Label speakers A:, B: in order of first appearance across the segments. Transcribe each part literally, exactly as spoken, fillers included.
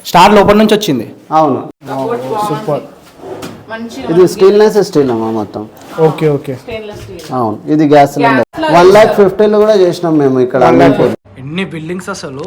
A: Star లోపల నుంచి వచ్చింది.
B: అవును
A: సూపర్.
B: ఇది స్టీల్నెస్ స్టీల్ అమ్మా మొత్తం.
A: Okay okay.
B: అవును ఇది గ్యాస్ సిలిండర్ వన్ లాక్ ఫిఫ్టీలో కూడా చేసినాం మేము ఇక్కడ.
A: ఎన్ని బిల్డింగ్స్ అసలు.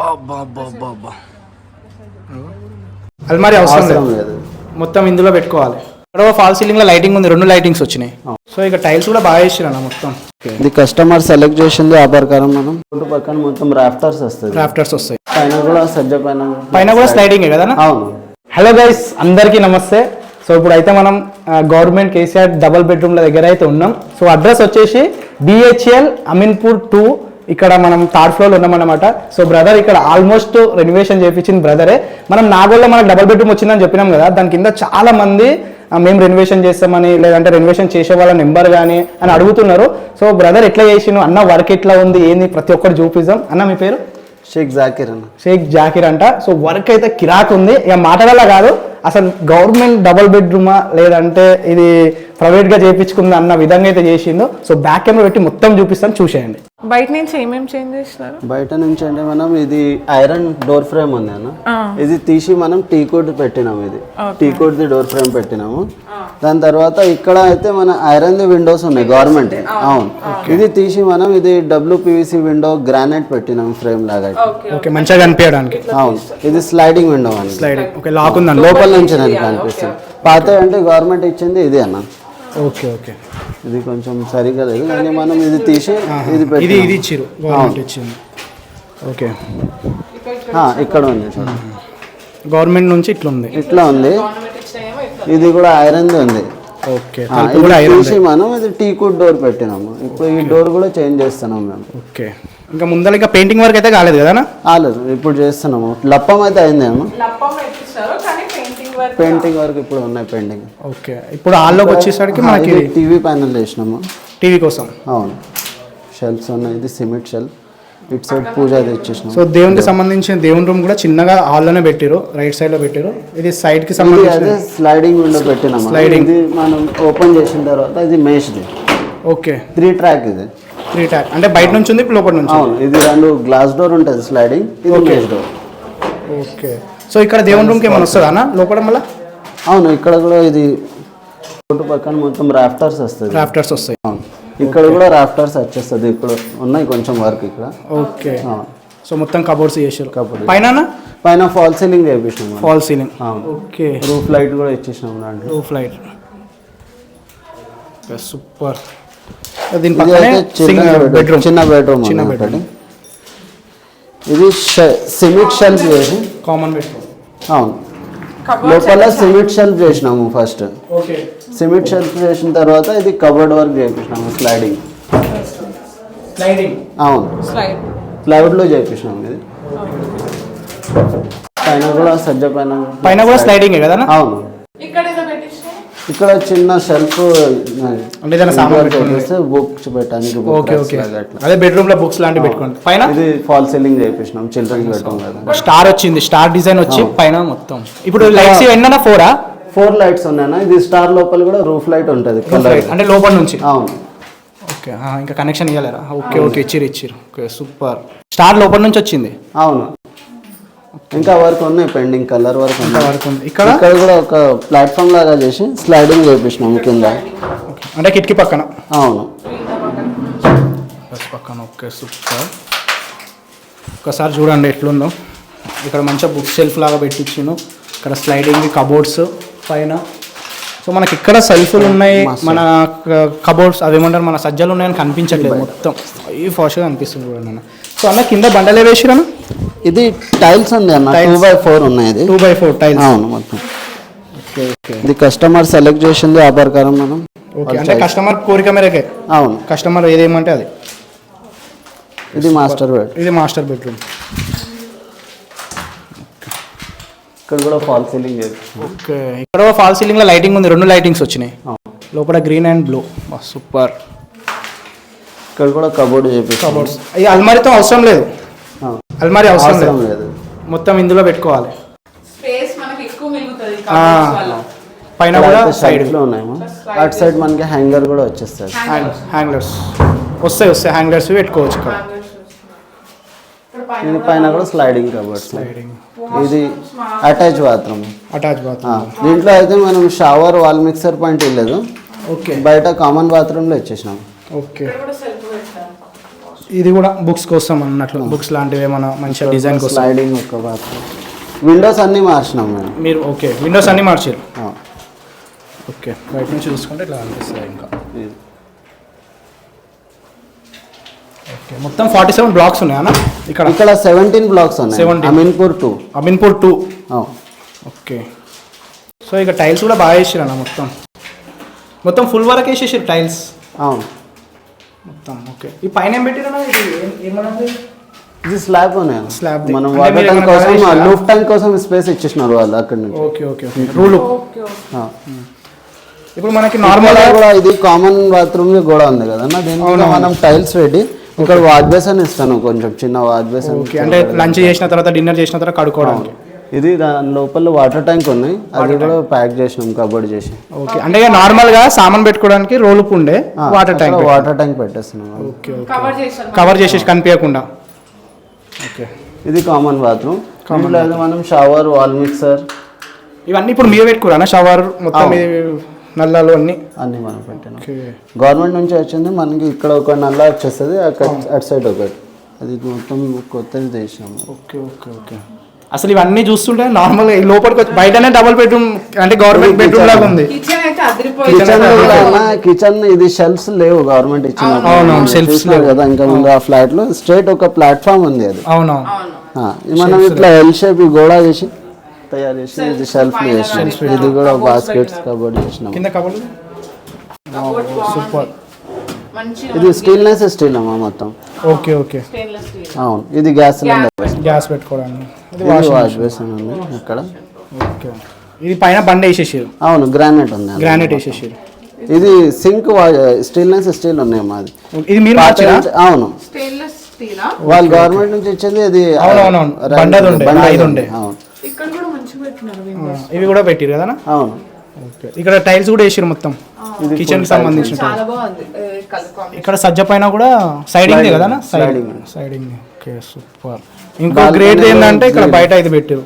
A: అల్మారి అవసరం లేదు, మొత్తం ఇందులో పెట్టుకోవాలి. ఇక్కడ ఫాల్ సీలింగ్ లో లైటింగ్ ఉంది, రెండు లైటింగ్స్ వచ్చినాయి. సో ఇక టైల్స్ కూడా బాగా వేసిరా మొత్తం.
B: ఇది కస్టమర్ సెలెక్ట్ చేసింది ఆ ప్రకారం మనం చుట్టూ పక్కన మొత్తం రాఫ్టర్స్ వస్తాయి.
A: రాఫ్టర్స్ వస్తాయి
B: పైన కూడా సజ్జ పైన
A: పైన కూడా స్లైడింగ్ కదా. అవును. హలో గైస్, అందరికీ నమస్తే. సో ఇప్పుడు అయితే మనం గవర్నమెంట్ కేసీఆర్ డబుల్ బెడ్రూమ్ల దగ్గర అయితే ఉన్నాం. సో అడ్రస్ వచ్చేసి బిహెచ్ఎల్ అమీన్పూర్ టూ. ఇక్కడ మనం థర్డ్ ఫ్లోర్లో ఉన్నామన్నమాట. సో బ్రదర్ ఇక్కడ ఆల్మోస్ట్ రెనోవేషన్ చేయించింది బ్రదరే. మనం నాగోల్లో మనకు డబుల్ బెడ్రూమ్ వచ్చిందని చెప్పినాం కదా, దాని కింద చాలా మంది మేము రెనోవేషన్ చేస్తామని లేదంటే రెనోవేషన్ చేసే వాళ్ళ నెంబర్ కానీ అని అడుగుతున్నారు. సో బ్రదర్ ఎట్లా చేసిను అన్న, వర్క్ ఎట్లా ఉంది ఏంది ప్రతి ఒక్కటి చూపిద్దాం. అన్న మీ పేరు?
B: షేక్ జాకిర్ అన్న.
A: షేక్ జాకిర్ అంట. సో వర్క్ అయితే కిరాక్ ఉంది. ఇక మాటల కాదు, అసలు గవర్నమెంట్ డబుల్ బెడ్రూమా లేదంటే ఇది ప్రైవేట్గా చేయించుకుందా అన్న విధంగా అయితే చేసిండు. సో బ్యాక్ కెమెరా పెట్టి మొత్తం చూపిస్తాను, చూసేయండి.
C: బయట నుంచి ఏమేమి చేంజ్ చేస్తున్నారు?
B: బయట నుంచి అంటే మనం ఇది ఐరన్ డోర్ ఫ్రేమ్ ఉంది అన్న, ఇది తీసి మనం టీ కోడ్ పెట్టినాము. ఇది టీ కోడ్ ది డోర్ ఫ్రేమ్ పెట్టినాము. దాని తర్వాత ఇక్కడ అయితే మన ఐరన్ ది విండోస్ ఉన్నాయి గవర్నమెంట్. అవును ఇది తీసి మనం ఇది డబ్ల్యూపీవీసీ విండో గ్రానైట్ పెట్టినాము ఫ్రేమ్ లాగా.
A: ఓకే, మంచిగా కనిపించడానికి.
B: అవును ఇది స్లైడింగ్ విండో అని.
A: స్లైడింగ్ ఓకే, లాక్ ఉంది
B: లోపల నుంచి కనిపిస్తుంది. పాత అంటే గవర్నమెంట్ ఇచ్చింది ఇది అన్న.
A: Okay okay.
B: ఇది కొంచెం సరిగా లేదు కానీ మనం ఇది తీసి ఇది
A: ఇది ఇది ఇచ్చిరు గవర్నమెంట్ ఇచ్చింది. ఓకే
B: ఇక్కడ ఉంది చూడండి,
A: గవర్నమెంట్ నుంచి ఇట్లా ఉంది,
B: ఇట్లా ఉంది. ఇది కూడా ఐరన్ ఉంది.
A: ఓకే,
B: తీసి మనం ఇది టీ కుడ్ డోర్ పెట్టినాము. ఇప్పుడు ఈ డోర్ కూడా చేంజ్ చేస్తున్నాం మేము.
A: ఓకే, ఇంకా ముందర ఇంకా పెయింటింగ్ వర్క్ అయితే కాలేదు కదా?
B: కాలేదు, ఇప్పుడు చేస్తున్నాము. లప్పం అయితే అయిందేమో, పెయింటింగ్ వర్క్ ఇప్పుడు ఉన్నాయి పెయింటింగ్.
A: ఓకే, ఇప్పుడు హాల్లోకి వచ్చేసరికి మనకి
B: టీవీ ప్యానెల్ వేసినాము
A: టీవీ కోసం.
B: అవును షెల్ఫ్స్ ఉన్నాయి. ఇది సిమెంట్ షెల్ఫ్, ఇటు సైడ్ పూజ తెచ్చేసినాం.
A: సో దేవునికి సంబంధించిన దేవుని రూమ్ కూడా చిన్నగా హాల్లోనే పెట్టారు, రైట్ సైడ్ లో పెట్టారు. ఇది సైడ్ కి సంబంధించిన
B: స్లైడింగ్ విండో పెట్టినాము. స్లైడింగ్ ఇది మనం ఓపెన్ చేసిన తర్వాత ఇది మేష్ది.
A: ఓకే,
B: త్రీ ట్రాక్ ఇది.
A: త్రీ ట్రాక్ అంటే బయట నుంచి ఉంది, లోపల నుంచి.
B: అవును ఇది రెండు గ్లాస్ డోర్ ఉంటుంది స్లైడింగ్, ఇది మేష్ డోర్.
A: ఓకే, సో ఇక్కడ దేవుని రూమ్కి ఏమైనా వస్తుందా అన్న లోపల మళ్ళీ?
B: అవును ఇక్కడ కూడా ఇది చుట్టూ పక్కన మొత్తం రాఫ్టర్స్ వస్తుంది.
A: రాఫ్టర్స్ వస్తాయి.
B: అవును ఇక్కడ కూడా రాఫ్టర్స్ వచ్చేస్తుంది. ఇప్పుడు ఉన్నాయి కొంచెం వర్క్ ఇక్కడ.
A: ఓకే, సో మొత్తం కబోర్డ్స్ చేసారు.
B: కబోర్డ్
A: పైన
B: పైన ఫాల్ సీలింగ్ చేపించినాం.
A: Fall ceiling.
B: Okay, roof light కూడా ఇచ్చేసినాం దాంట్లో.
A: Roof light super. దీని పక్కనే బెడ్రూమ్,
B: చిన్న బెడ్రూమ్. చిన్న బెడ్రూమ్ ఇది సిమెంట్ షెల్ఫ్ చేసి
A: కామన్ బెడ్రూమ్.
B: అవును లోపల సిమెంట్ షెల్ఫ్ చేసినాము ఫస్ట్.
A: ఓకే,
B: సిమెంట్ షెల్ఫ్ చేసిన తర్వాత ఇది కబోర్డ్ వర్క్ చేయించినాము. స్లైడింగ్
A: స్లైడింగ్
B: అవును ప్లైవుడ్ లో చేయించినాము. ఇది పైన కూడా సజ్జ పైన
A: పైన కూడా స్లైడింగ్ కదా? అవును
B: ఇక్కడ చిన్న షెల్ఫ్ బుక్స్ పెట్టడానికి.
A: ఓకే ఓకే, అదే బెడ్రూమ్ లో బుక్స్ లాంటివి పెట్టుకోండి. పైన
B: ఇది ఫాల్ సీలింగ్ చేయించినాం, చిల్డ్రన్స్ బెడ్రూమ్ కదా.
A: స్టార్ వచ్చింది, స్టార్ డిజైన్ వచ్చి పైన మొత్తం. ఇప్పుడు లైట్స్ ఎన్న ఫోరా?
B: Four lights ఉన్నాయన్నా. ఇది స్టార్ లోపల కూడా రూఫ్ లైట్ ఉంటుంది
A: అంటే లోపల నుంచి.
B: అవును
A: ఓకే, ఇంకా కనెక్షన్ ఇవ్వలేరా? ఓకే ఓకే, ఇచ్చిరు ఇచ్చిరు. Okay super. స్టార్ లోపల నుంచి వచ్చింది.
B: అవును ఇంకా వర్క్ ఉన్నాయి పెండింగ్, కలర్ వర్క్
A: వర్క్ ఉంది. ఇక్కడ
B: ఇక్కడ కూడా ఒక ప్లాట్ఫామ్ లాగా చేసి స్లైడింగ్ చేపించినాము కింద,
A: అంటే కిటికీ పక్కన.
B: అవును
A: పక్కన. Okay super. ఒకసారి చూడండి ఎట్లుందో. ఇక్కడ మంచిగా బుక్ షెల్ఫ్ లాగా పెట్టించాను. ఇక్కడ స్లైడింగ్ కబోర్డ్స్ పైన. సో మనకి ఇక్కడ సెల్ఫ్లు ఉన్నాయి, మన కబోర్డ్స్ అవి ఏమంటారు మన సజ్జలు ఉన్నాయని కనిపించట్లేదు, మొత్తం ఈ ఫాస్ట్గా అనిపిస్తుంది చూడండి అన్న. సో అన్న కింద బండలే వేసిరన్న.
B: ఇది టైల్స్ ఉంది అన్న, టూ బై ఫోర్ ఉన్నాయి.
A: Two by four tiles.
B: అవును మొత్తం. ఓకే ఓకే, ఇది కస్టమర్ సెలెక్ట్ చేసింది ఆ ప్రకారం మనం.
A: ఓకే, అంటే కస్టమర్ కోరిక మేరకే.
B: అవును
A: కస్టమర్ ఏదేమంటే అది.
B: ఇది మాస్టర్ బెడ్.
A: ఇది మాస్టర్ బెడ్రూమ్.
B: ఇక్కడ కూడా ఫాల్ సీలింగ్ చేసి.
A: ఓకే, ఇక్కడ ఫాల్ సీలింగ్ లో లైటింగ్ ఉంది, రెండు లైటింగ్స్ వచ్చినాయి. లోపల గ్రీన్ అండ్ బ్లూ. సూపర్.
B: ఇక్కడ కూడా కబోర్డ్ చేపి.
A: కబోర్డ్స్ ఈ అల్మారితో అవసరం లేదు, అల్మారి అవసరం లేదు, మొత్తం ఇందులో పెట్టుకోవాలి. పైన కూడా సైడ్
B: లో ఉన్నాయి. అటు సైడ్ మనకి హ్యాంగర్ కూడా వచ్చేస్తుంది.
A: హ్యాంగర్స్ వస్తాయి వస్తాయి హ్యాంగర్స్ పెట్టుకోవచ్చు ఇక్కడ.
B: ఇది పైన కూడా స్లైడింగ్ కబోర్డ్స్.
A: స్లైడింగ్
B: ఇది అటాచ్ బాత్రూమ్.
A: Attach bathroom.
B: దీంట్లో అయితే మనం షవర్ వాల్ మిక్సర్ పాయింట్ ఇవ్వలేదు,
A: ఓకే
B: బయట కామన్ బాత్రూంలో ఇచ్చేసినాం.
A: ఓకే ఇది కూడా బుక్స్ కోసం అన్నట్లు, బుక్స్ లాంటివి ఏమైనా మంచిగా డిజైన్ కోసం.
B: స్లైడింగ్ ఒక బాత్రూమ్. విండోస్ అన్నీ మార్చినాం మేము.
A: మీరు ఓకే విండోస్ అన్నీ మార్చారు.
B: ఆ.
A: ఓకే బయట నుంచి చూసుకుంటే ఇట్లా అనిపిస్తుంది ఇంకా.
B: ఇది.
A: ఓకే మొత్తం ఫార్టీ సెవెన్ బ్లాక్స్ ఉన్నాయా అన్న ఇక్కడ?
B: ఇక్కడ సెవెంటీన్ బ్లాక్స్ ఉన్నాయి.
A: Seventeen.
B: Ameenpur two.
A: Ameenpur two. Okay so ఇక టైల్స్ కూడా బాగా వేసారు అన్న, మొత్తం మొత్తం ఫుల్ వరకు వేసేసారు టైల్స్.
B: అవును
A: మొత్తం. ఓకే ఈ పైన ఏం పెట్టారన్నా? ఇది ఏం- ఏమన్నది?
B: ఇది స్లాబ్ ఉన్నాయి.
A: స్లాబ్
B: మనం
A: అంటే
B: వాటర్
A: మీరు
B: ట్యాంక్
A: ఏమైనా
B: కోసం
A: కలర్
B: లూఫ్ ట్యాంక్ కోసం స్పేస్ ఇచ్చేసినారు వాళ్ళు అక్కడ నుంచి.
A: ఓకే ఓకే ఓకే రూలు.
B: ఆ.
A: ఇప్పుడు మనకి నార్మల్
B: ఇక్కడ కూడా ఇది కామన్ బాత్రూమ్ గోడ ఉంది కదన్న, దీనికి మనం టైల్స్ పెట్టి ఇక్కడ వాష్ బేసిన్ ఇస్తాను, కొంచెం చిన్న వాష్ బేసిన్.
A: ఓకే అంటే లంచ్ చేసిన తర్వాత డిన్నర్ చేసిన తర్వాత కడుక్కోవడానికి.
B: ఇది దాని లోపల వాటర్ ట్యాంక్ ఉన్నాయి, అది కూడా ప్యాక్ చేసినాం కబోర్డ్ చేసి.
A: ఓకే అంటే ఇక నార్మల్ గా సామాన్ పెట్టుకోవడానికి రోల్ ఉండే వాటర్ ట్యాంక్.
B: వాటర్ ట్యాంక్ పెట్టేస్తున్నాం.
A: ఓకే ఓకే కవర్ చేసేసి కనిపించకుండా. ఓకే
B: ఇది కామన్ బాత్రూమ్. దీంట్లో అయితే మనం షవర్ వాల్ మిక్సర్
A: ఇవన్నీ ఇప్పుడు మీరు పెట్టుకోరా షవర్ మొత్తం
B: అవును.
A: ఇది నల్లాలు అన్ని
B: అన్ని మనం పెట్టినాం.
A: ఓకే
B: గవర్నమెంట్ నుంచి వచ్చింది మనకి, ఇక్కడ ఒక నల్ల వచ్చేస్తుంది, అక్కడ అటు సైడ్ ఒకటి, అది మొత్తం కొత్తది చేసినాము.
A: ఓకే ఓకే ఓకే అసలు ఇవన్నీ చూస్తుంటే నార్మల్ గా ఈ లోపలికి వచ్చి బయటనే డబుల్ బెడ్రూమ్ అంటే గవర్నమెంట్ బెడ్రూమ్ లాగా ఉంది.
C: కిచెన్ అయితే అదిరిపోయింది.
B: కిచెన్ కిచెన్ ఇది షెల్ఫ్స్ లేవు గవర్నమెంట్ ఇచ్చిన.
A: అవునవును, shelves
B: చూసినారు కదా ఇంకా ముందు ఆ ఫ్లాట్ లో స్ట్రైట్ ఒక ప్లాట్ఫామ్ ఉంది అది.
A: అవునవును.
B: ఆ, ఇది మనం ఇట్లా ఎల్ షేప్ గోడ చేసి తయారు చేసి ఇది షెల్ఫ్ చేసినాం. ఇది కూడా బాస్కెట్స్ కబోర్డ్ చేసినాం.
A: కింద కబుర్లు సూపర్.
C: మంచి
B: ఇది స్టీల్నెస్ స్టీల్ అమ్మా మొత్తం.
A: Okay okay
C: stainless steel.
B: అవును ఇది గ్యాస్ సిలిండర్.
A: గ్యాస్ పెట్టుకోవడానికి. ఇది
B: ఇది వాష్ బేసిన్ ఉంది ఇక్కడ.
A: ఓకే ఇది పైన బండ వేసేసారు.
B: అవును గ్రానైట్ ఉంది.
A: గ్రానైట్ వేసేసారు.
B: ఇది సింక్ స్టీల్నెస్ స్టీల్ ఉన్నాయి మాది.
A: ఇది మీరు మార్చారా?
B: అవును
C: స్టెయిన్లెస్ స్టీలా?
B: వాళ్ళు గవర్నమెంట్ నుంచి ఇచ్చింది. అది
A: అవునవును, బండది ఉండే, రాయిది ఉండే.
B: అవును
C: ఇక్కడ కూడా మంచిగా పెట్టినారు windows.
A: ఇవి కూడా పెట్టారు కదా.
B: అవును
A: ఓకే ఇక్కడ టైల్స్ కూడా వేసారు మొత్తం కిచెన్ కి సంబంధించిన tiles.
C: చాలా బాగుంది కలర్ కాంబినేషన్.
A: ఇక్కడ సజ్జ పైన కూడా సైడింగ్ కదా
B: Sliding.
A: సైడింగ్. Okay super. ఇంకో గ్రేట్ ఏంటంటే ఇక్కడ బయట ఇది పెట్టారు,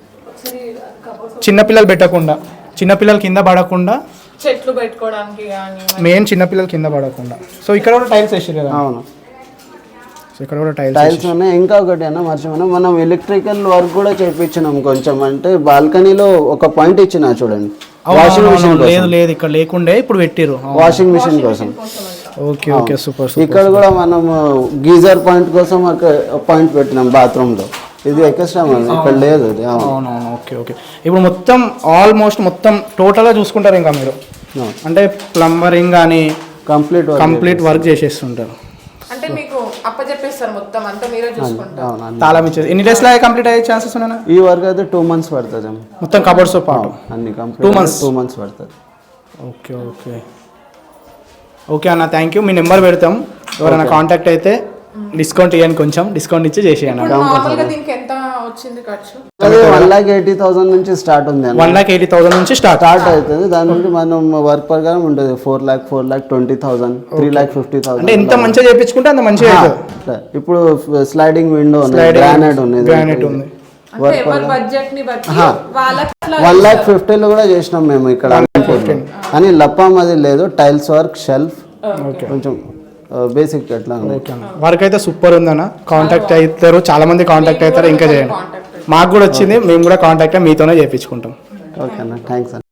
A: చిన్నపిల్లలు పెట్టకుండా, చిన్నపిల్లలు కింద పడకుండా,
C: చెట్లు పెట్టుకోవడానికి కానీ
A: మెయిన్ చిన్నపిల్లలు కింద పడకుండా. సో ఇక్కడ కూడా టైల్స్ వేసారు కదా.
B: అవును
A: సో ఇక్కడ కూడా టైల్స్
B: టైల్స్ ఉన్నాయి. ఇంకా ఒకటి అన్న మర్చిపోయినా, మనం ఎలక్ట్రికల్ వర్క్ కూడా చేయించినాం కొంచెం. అంటే బాల్కనీలో ఒక పాయింట్ ఇచ్చిన చూడండి, వాషింగ్ మిషన్
A: లేదు లేదు ఇక్కడ లేకుండే ఇప్పుడు పెట్టారు.
B: వాషింగ్ మిషన్ కోసం.
A: Okay okay super super.
B: ఇక్కడ కూడా మనం గీజర్ పాయింట్ కోసం ఒక పాయింట్ పెట్టినాం బాత్రూమ్ లో. ఇది ఎక్స్ట్రా ఇక్కడ లేదు అది. అవును
A: అవునవును ఓకే ఓకే. ఇప్పుడు మొత్తం ఆల్మోస్ట్ మొత్తం టోటల్గా చూసుకుంటారు ఇంకా మీరు, అంటే ప్లంబరింగ్ కానీ
B: కంప్లీట్
A: కంప్లీట్ వర్క్ చేసేస్తుంటారు.
C: అంటే మీకు అప్పచెప్పేస్తారు మొత్తం అంతా మీరే చూసుకుంటారు.
B: అవును
A: తాళం ఇచ్చేది ఎన్ని డేస్ లో కంప్లీట్ అయ్యే ఛాన్సెస్ ఉన్నాయా?
B: ఈ వర్క్ అయితే టూ మంత్స్ పడుతుంది
A: మొత్తం కబోర్డ్స్ తో పాటు
B: అన్ని complete.
A: Two months.
B: Two months పడుతుంది.
A: ఓకే ఓకే ఓకే అన్న థ్యాంక్ యూ. మీ నెంబర్ పెడతాం, ఎవరైనా కాంటాక్ట్ అయితే డిస్కౌంట్ ఇవ్వండి, కొంచెం డిస్కౌంట్ ఇచ్చి చేసేయండి.
C: నార్మల్ గా దీనికి ఎంత వచ్చింది ఖర్చు?
B: అది వన్ లాక్ ఎయిటీ థౌసండ్ నుంచి స్టార్ట్ ఉంది అన్న.
A: వన్ లాక్ ఎయిటీ థౌసండ్ నుంచి స్టార్ట్
B: స్టార్ట్ అవుతుంది. దాని నుండి మనం వర్క్ ప్రకారం ఉంటుంది. Four lakh four lakh twenty thousand three lakh fifty
A: అంటే
B: థౌసండ్
A: ఎంత మంచిగా చేయించుకుంటే అంత మంచిగా అవుతుంది.
B: ఇప్పుడు స్లైడింగ్ విండో ఉంది,
A: Sliding,
B: గ్రానైట్ ఉంది,
A: గ్రానైట్ ఉంది.
C: అంటే ఎవరి బడ్జెట్ ని బట్టి వాళ్ళకి
B: వన్ లాక్ ఫిఫ్టీలో కూడా చేసినాం మేము ఇక్కడ. అని లప్పం అది లేదు, టైల్స్ వర్క్, షెల్ఫ్,
A: ఓకే
B: కొంచెం బేసిక్ ఎట్లా ఉంది.
A: ఓకే అన్న వర్క్ అయితే సూపర్ ఉందన్న. కాంటాక్ట్ అవుతారు, చాలా మంది కాంటాక్ట్ అవుతారు, ఇంకా చేయండి. మాకు కూడా వచ్చింది, మేము కూడా కాంటాక్ట్ మీతోనే చేయించుకుంటాం.
B: ఓకే అన్న థ్యాంక్స్ అన్న.